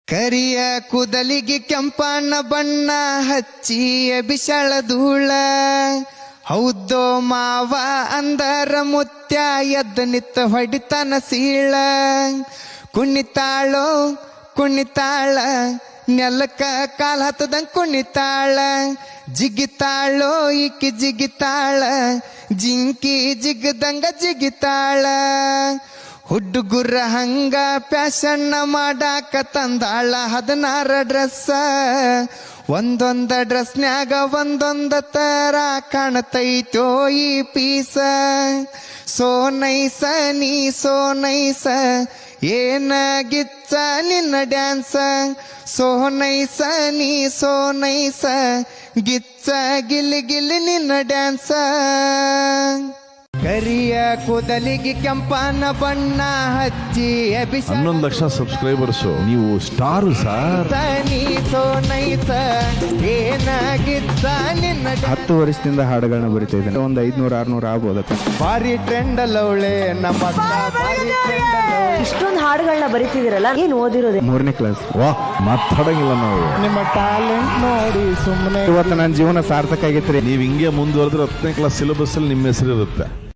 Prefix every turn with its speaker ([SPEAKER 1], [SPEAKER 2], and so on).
[SPEAKER 1] ಕರಿಯ ಕೂದಲಿಗೆ ಕೆಂಪಣ್ಣ ಬಣ್ಣ ಹಚ್ಚಿ ಬಿಸಳ ಧೂಳ ಹೌದೋ ಮಾವ ಅಂದರ ಮುತ್ಯ ಎದ್ದ ನಿತ್ತ ಹೊಡಿತನ ಸೀಳ ಕುಣಿತಾಳೋ ಕುಣಿತಾಳ ನೆಲಕ್ಕ ಕಾಲ ಹತ್ತದಂಗ ಕುಣಿತಾಳ ಜಿಗಿತಾಳೋ ಈಕಿ ಜಿಗಿತಾಳ ಜಿಂಕಿ ಜಿಗದಂಗ ಜಿಗಿತಾಳ ಹುಡುಗುರ ಹಂಗ ಪ್ಯಾಶನ್ನ ಮಾಡಾಕ ತಂದಾಳ 16 ಡ್ರೆಸ್ ಒಂದೊಂದ ಡ್ರೆಸ್ನ್ಯಾಗ ಒಂದೊಂದ ತರ ಕಾಣತೈತೋ ಈ ಪೀಸ ಸೋ ನೈಸ ನೀ ಸೋ ನೈಸ ಏನ ಗಿಚ್ಚ ನಿನ್ನ ಡ್ಯಾನ್ಸ ಸೋ ನೈಸ ನೀ ಸೋ ನೈಸ ಗಿಚ್ಚ ಗಿಲಿ ಗಿಲಿ ನಿನ್ನ ಡ್ಯಾನ್ಸ ಕರಿಯ ಕೂದಲಿಗೆ ಕೆಂಪನ ಬಣ್ಣ ಹಚ್ಚಿ
[SPEAKER 2] 11 ಲಕ್ಷ ಸಬ್ಸ್ಕ್ರೈಬರ್ಸ್ ನೀವು ಸ್ಟಾರ್ ಸರ್.
[SPEAKER 1] ಏನಾಗಿತ್ತ ನಿನ್ನ
[SPEAKER 3] 10 ವರ್ಷದಿಂದ ಹಾಡುಗಳನ್ನ ಬರಿತಾ ಇದ್ದೇನೆ. ಒಂದು 500-600 ಆಗ್ಬೋದಪ್ಪ.
[SPEAKER 1] ಭಾರಿ ಟ್ರೆಂಡ್ ಅಲ್ಲವಳೆ ನಮ್ಮ
[SPEAKER 4] ಇಷ್ಟೊಂದು ಹಾಡುಗಳನ್ನ ಬರಿತಿದಿರಲ್ಲ, ಏನ್ ಓದಿರೋದೆ?
[SPEAKER 3] 3ನೇ ಕ್ಲಾಸ್.
[SPEAKER 2] ವಾ ಮಾತಾಡಂಗಿಲ್ಲ ನಾವು.
[SPEAKER 1] ನಿಮ್ಮ ಟ್ಯಾಲೆಂಟ್ ನೋಡಿ ಸುಮ್ಮನೆ
[SPEAKER 3] ಇವತ್ತು ನನ್ನ ಜೀವನ ಸಾರ್ಥಕ ಆಗೈತ್ರಿ.
[SPEAKER 2] ನೀವು ಹಿಂಗೆ ಮುಂದುವರೆದ್ರೆ 10ನೇ ಕ್ಲಾಸ್ ಸಿಲೆಬಸ್ ಅಲ್ಲಿ ನಿಮ್ಮ ಹೆಸರು ಇರುತ್ತೆ.